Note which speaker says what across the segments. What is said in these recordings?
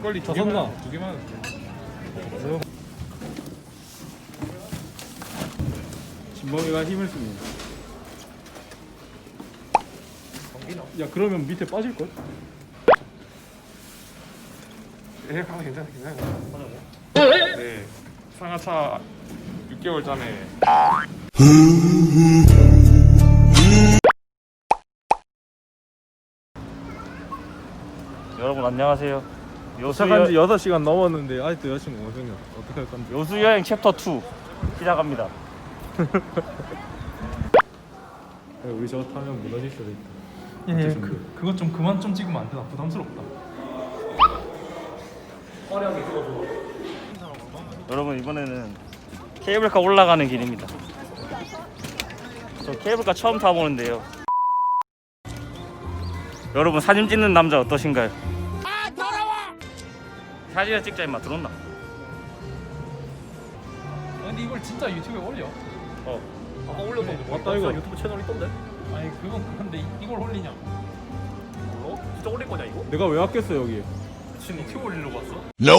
Speaker 1: 막걸리
Speaker 2: 다 샀나?
Speaker 1: 두 개만.
Speaker 2: 진범이가 힘을 씁니다. 야 그러면 밑에 빠질걸?
Speaker 1: 예, 가면 괜찮아. 네, 상하차 6개월 전에.
Speaker 3: 여러분 안녕하세요.
Speaker 2: 도착한 지 6시간 넘었는데 아직도 여자친구 못 생겼어. 어떻게 할 건데?
Speaker 3: 요수여행 챕터 2 시작합니다.
Speaker 2: 우리 저거 타면 무너질 수도 있다.
Speaker 4: 예, 그것 좀 그만 좀 찍으면 안 되나? 부담스럽다.
Speaker 3: 여러분 이번에는 케이블카 올라가는 길입니다. 저 케이블카 처음 타보는데요. 여러분 사진 찍는 남자 어떠신가요? 아 더러워! 사진을 찍자 임마 들었나?
Speaker 4: 근데 이걸 진짜 유튜브에 올려?
Speaker 3: 아까 올려서
Speaker 2: 맞다 이거.
Speaker 3: 유튜브 채널 있던데?
Speaker 4: 아니 그건 그런데 이걸 올리냐고.
Speaker 3: 몰라? 진짜 올릴 거냐 이거?
Speaker 2: 내가 왜 왔겠어 여기?
Speaker 4: 지금 유튜브 올리려고 왔어?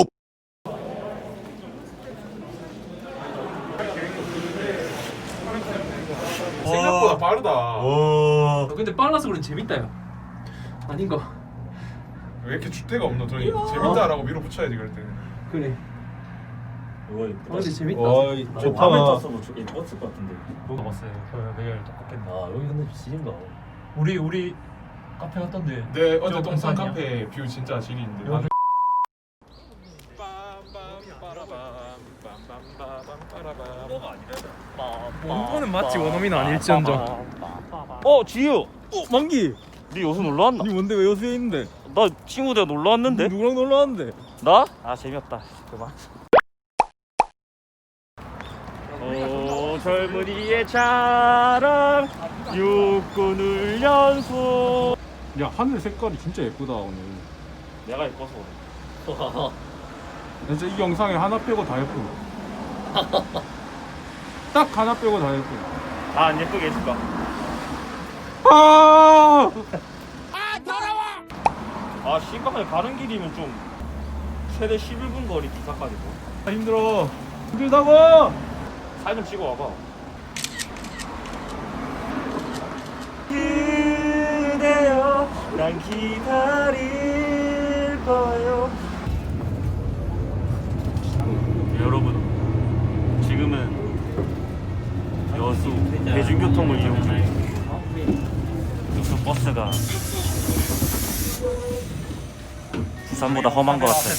Speaker 1: 생각보다 빠르다.
Speaker 4: 근데 빨라서 그런 재밌다 야. 아닌가?
Speaker 1: 왜 이렇게 주대가 없노? 저희 재밌다라고 밀어붙여야지 그럴 때.
Speaker 4: 그래. 근데 재밌다.
Speaker 2: 어이 좋다.
Speaker 3: 탔어도 예뻤을 것 같은데.
Speaker 4: 뭐 먹었어요? 저 매일 똑같겠네.
Speaker 3: 아 여기 근데 지진가?
Speaker 4: 우리 카페 갔던데.
Speaker 1: 네, 어제
Speaker 4: 저
Speaker 1: 동산
Speaker 4: 동산이야?
Speaker 1: 카페 뷰 진짜 지리인데.
Speaker 4: 여기- 원고는 맞지, 원어민은 아닐지언정.
Speaker 3: 지유!
Speaker 2: 만기!
Speaker 3: 니 여수 놀러 왔나?
Speaker 2: 니 뭔데 왜 여수에 있는데?
Speaker 3: 나 친구들 놀러 왔는데?
Speaker 2: 누구랑 놀러 왔는데?
Speaker 3: 나? 아 재미없다. 그만. 오 젊은이의 자랑 육군 훈련소.
Speaker 2: 야 하늘 색깔이 진짜 예쁘다 오늘.
Speaker 3: 내가 예뻐서 그래.
Speaker 2: 진짜 이 영상에 하나 빼고 다 예쁘네. 딱 하나 빼고 다 예쁘네.
Speaker 3: 다 안 예쁘게 해줄까?
Speaker 2: 아!
Speaker 3: 아 신박하게 가는 길이면 좀 최대 11분 거리 기사까지도.
Speaker 2: 힘들어. 힘들다고.
Speaker 3: 사진 좀 찍어 와봐. 그대여 난 기다릴 거예요. 여러분 지금은 여수 대중교통을 이용 중. 여수 버스가 부산보다 험한 것 같아요.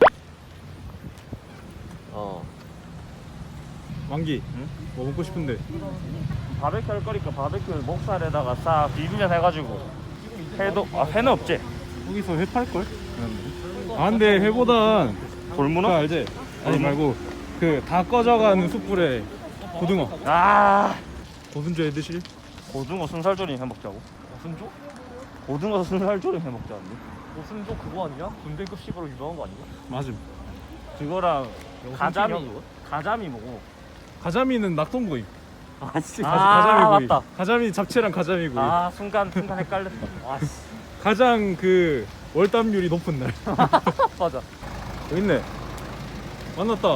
Speaker 2: 만기.
Speaker 3: 응?
Speaker 2: 뭐 먹고 싶은데?
Speaker 3: 바베큐 할 거니까 바베큐 목살에다가 싹 비비면 해가지고 회도 회는 없지?
Speaker 2: 거기서 회 팔걸? 아 근데 회보단
Speaker 3: 돌문어?
Speaker 2: 그거 알지? 아니 말고 그 다 꺼져가는 숯불에 고등어.
Speaker 3: 아
Speaker 2: 고순조 해 드실?
Speaker 3: 고등어 순살조림 해먹자고.
Speaker 4: 무슨조?
Speaker 3: 고등어 순살조림 해먹자는데.
Speaker 4: 무슨조 그거 아니야? 군대급식으로 유명한 거 아니야?
Speaker 2: 맞음.
Speaker 3: 그거랑 가자미.
Speaker 4: 그거?
Speaker 3: 가자미 뭐고?
Speaker 2: 가자미는 낙동구이.
Speaker 3: 아 진짜.
Speaker 2: 가자미구이.
Speaker 3: 맞다.
Speaker 2: 가자미 잡채랑 가자미구이.
Speaker 3: 아 순간 헷갈렸어. 아 씨.
Speaker 2: 가장 그 월담률이 높은 날.
Speaker 3: 맞아.
Speaker 2: 여기 있네. 만났다.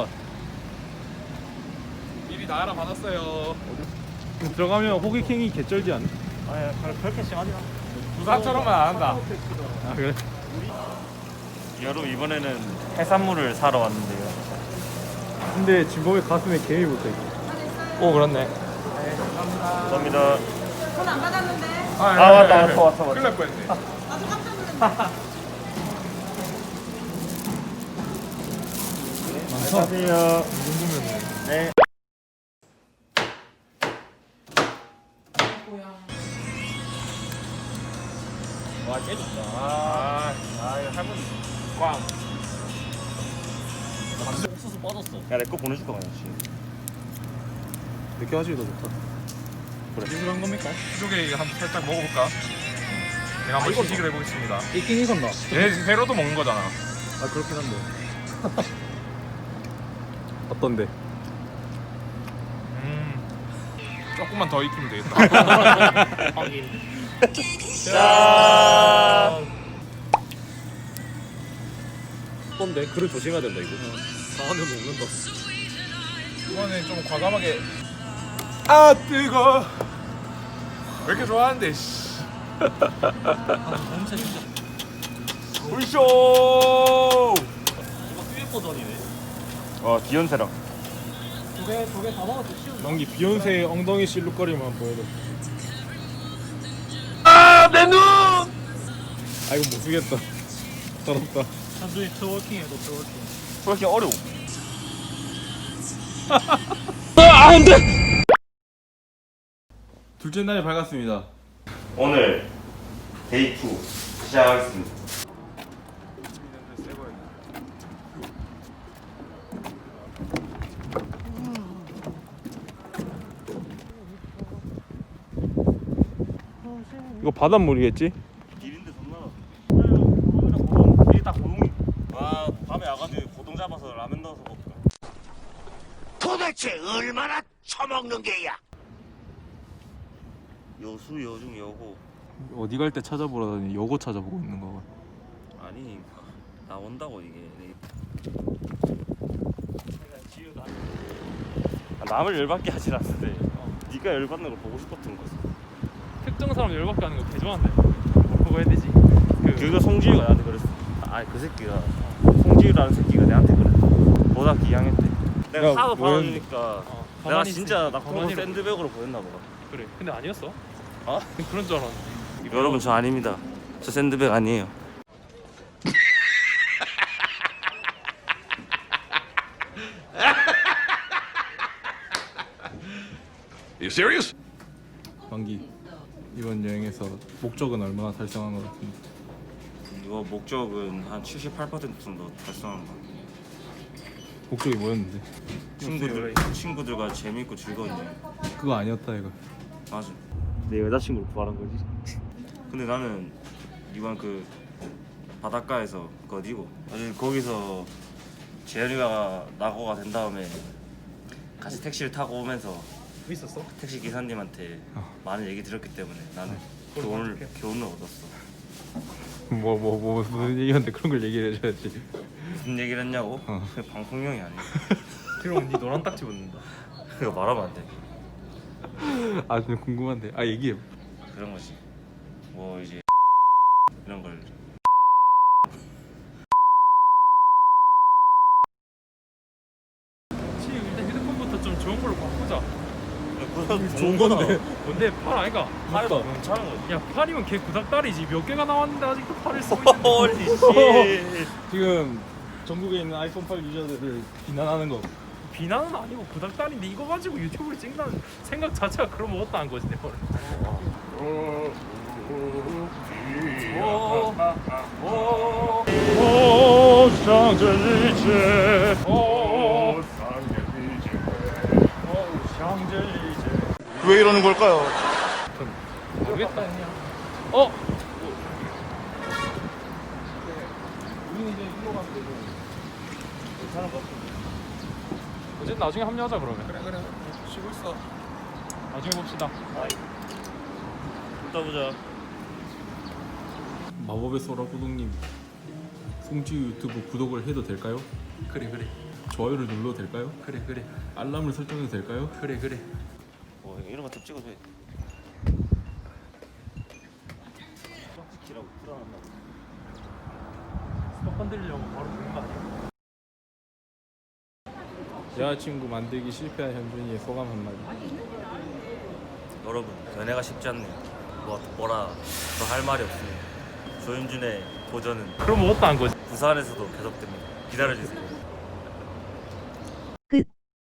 Speaker 1: 미리 다 알아받았어요.
Speaker 2: 들어가면 호객행위 개쩔지 않아?
Speaker 3: 아 그렇게 심하지 않아.
Speaker 1: 부산처럼만 안 한다.
Speaker 2: 아 그래?
Speaker 3: 여러분 이번에는 해산물을 사러 왔는데요.
Speaker 2: 근데 진범의 가슴에 개미 붙어있어.
Speaker 4: 오 그렇네.
Speaker 3: 감사합니다.
Speaker 5: 돈 안 받았는데.
Speaker 3: 왔어.
Speaker 1: 큰일 날 뻔했네.
Speaker 5: 나도 깜짝 놀랐네.
Speaker 3: 안녕하세요. 네. 와, 꽤 좋다. 이거 할머니. 꽝. 옥수수 빠졌어. 야, 내 거 보내줄 거 아니야,
Speaker 2: 늦게 하시기 더 좋다.
Speaker 4: 유명한 겁니까?
Speaker 1: 이쪽에 한번 살짝 먹어볼까? 제가 한번 시식을 해보겠습니다.
Speaker 2: 있긴 익었나?
Speaker 1: 얘 회로도 먹는 거잖아.
Speaker 2: 아 그렇긴 한데. 어떤데?
Speaker 1: 조금만 더 익히면 되겠다.
Speaker 3: 짠.
Speaker 2: 떴던데. 그래 조심해야 된다 이거. 강한데 먹는다. 이번에 좀 과감하게. 아 뜨거. 왜 이렇게 좋아하는데? 씨.
Speaker 4: 냄새 진짜.
Speaker 3: 불쇼.
Speaker 4: 이거 듀엣 버전이네.
Speaker 3: 비욘세랑.
Speaker 4: 두개 다 먹어도 쉬운.
Speaker 2: 연기 비욘세의 엉덩이 실룩거리만 보여도.
Speaker 3: 내 눈.
Speaker 2: 아 이거 못 쓰겠다. 더럽다.
Speaker 4: 단순히 트워킹해도 트워킹.
Speaker 3: 그렇게 어려워.
Speaker 2: 둘째 날이 밝았습니다.
Speaker 3: 오늘 데이 2 시작하겠습니다.
Speaker 2: 이거 바닷물이겠지?
Speaker 3: 길인데 존나. 고동. 이게 딱 고동이. 와 밤에 와가지고 고동 잡아서 라면 넣어서 먹을까.
Speaker 6: 도대체 얼마나 처먹는 게야?
Speaker 3: 여수 여중 여고.
Speaker 2: 어디 갈 때 찾아보라더니 요거 찾아보고 있는 거가.
Speaker 3: 아니 나온다고 이게. 남을 열받게 하진 않는데 네가 열받는 걸 보고 싶었던 거지.
Speaker 2: 특정 사람 열받게 하는 거 개 좋아한대. 그거 해야 되지.
Speaker 3: 그거 송지유가 나한테 그랬어. 아니 그 새끼가 송지유라는 새끼가 내한테 그랬어. 고등학교 2학년 때 내가
Speaker 2: 야,
Speaker 3: 사과
Speaker 2: 뭐였는데?
Speaker 3: 받아주니까 내가
Speaker 4: 가만히
Speaker 3: 진짜
Speaker 4: 있으니까
Speaker 3: 낙동강
Speaker 4: 가만히
Speaker 3: 샌드백으로 보였나 봐.
Speaker 4: 그래. 근데 아니었어?
Speaker 3: 어?
Speaker 4: 그런 줄 알았는데.
Speaker 3: 여러분 저 아닙니다. 저 샌드백 아니에요.
Speaker 6: You serious?
Speaker 2: 만기 이번 여행에서 목적은 얼마나 달성한 것 같은데?
Speaker 3: 이거 목적은 한 78% 정도 달성한 거.
Speaker 2: 목적이 뭐였는데?
Speaker 3: 친구들과 재밌고 즐거운 여행.
Speaker 2: 그거 아니었다 이거.
Speaker 3: 맞아. 내 여자친구를 구하는 거지. 근데 나는 이번 그 바닷가에서 그 어디고 거기서 재현이가 낙오가 된 다음에 같이 택시를 타고 오면서
Speaker 4: 있었어?
Speaker 3: 택시 기사님한테 많은 얘기 들었기 때문에 나는 교훈을 얻었어.
Speaker 2: 뭐 무슨 얘기였는데 그런 걸 얘기를 해줘야지.
Speaker 3: 무슨 얘기를 했냐고? 방송용이 아니야.
Speaker 4: 그럼 네 노란 딱지 붙는다.
Speaker 3: 그거 말하면 안 돼.
Speaker 2: 아 좀 궁금한데. 아 얘기해.
Speaker 3: 그런 거지. 뭐 이제 이런 걸.
Speaker 4: 지금 일단 휴대폰부터 좀 좋은 걸로 바꾸자.
Speaker 3: 좋은 건데.
Speaker 4: 뭔데 팔 아이가?
Speaker 3: 팔이 괜찮은 거지.
Speaker 4: 야 팔이면 걔 구닥다리지. 몇 개가 나왔는데 아직도 팔을 쓰고 있는데.
Speaker 3: 홀리 씨.
Speaker 2: 지금 전국에 있는 아이폰 8 유저들을 비난하는 거.
Speaker 4: 비난은 아니고 구닥다리인데 이거 가지고 유튜브를 찍는다는 생각 자체가 그런 거 어떠한 거지 내 말은.
Speaker 6: 왜 이러는 걸까요?
Speaker 4: 모르겠다.
Speaker 2: 우리는 이제 일로 가면 되죠.
Speaker 4: 괜찮은 거. 어쨌든 나중에 합류하자 그러면.
Speaker 2: 그래 쉬고 있어.
Speaker 4: 나중에 봅시다.
Speaker 3: 이따 보자.
Speaker 2: 마법의 소라 구독님 송지유 유튜브 구독을 해도 될까요?
Speaker 4: 그래.
Speaker 2: 좋아요를 눌러도 될까요?
Speaker 4: 그래.
Speaker 2: 알람을 설정해도 될까요?
Speaker 4: 그래.
Speaker 3: 뭐 이런 거 좀 찍어도 돼. 기라고 풀어놨나 보다.
Speaker 4: 스톱 건드리려고 바로 보는 거 아니야?
Speaker 2: 여자친구 만들기 실패한 현준이의 소감 한마디.
Speaker 3: 여러분 연애가 쉽지 않네요. 뭐라 더 할 말이 없습니다. 조윤준의 도전은
Speaker 4: 그럼 어떠한 거지?
Speaker 3: 부산에서도 계속됩니다. 기다려주세요.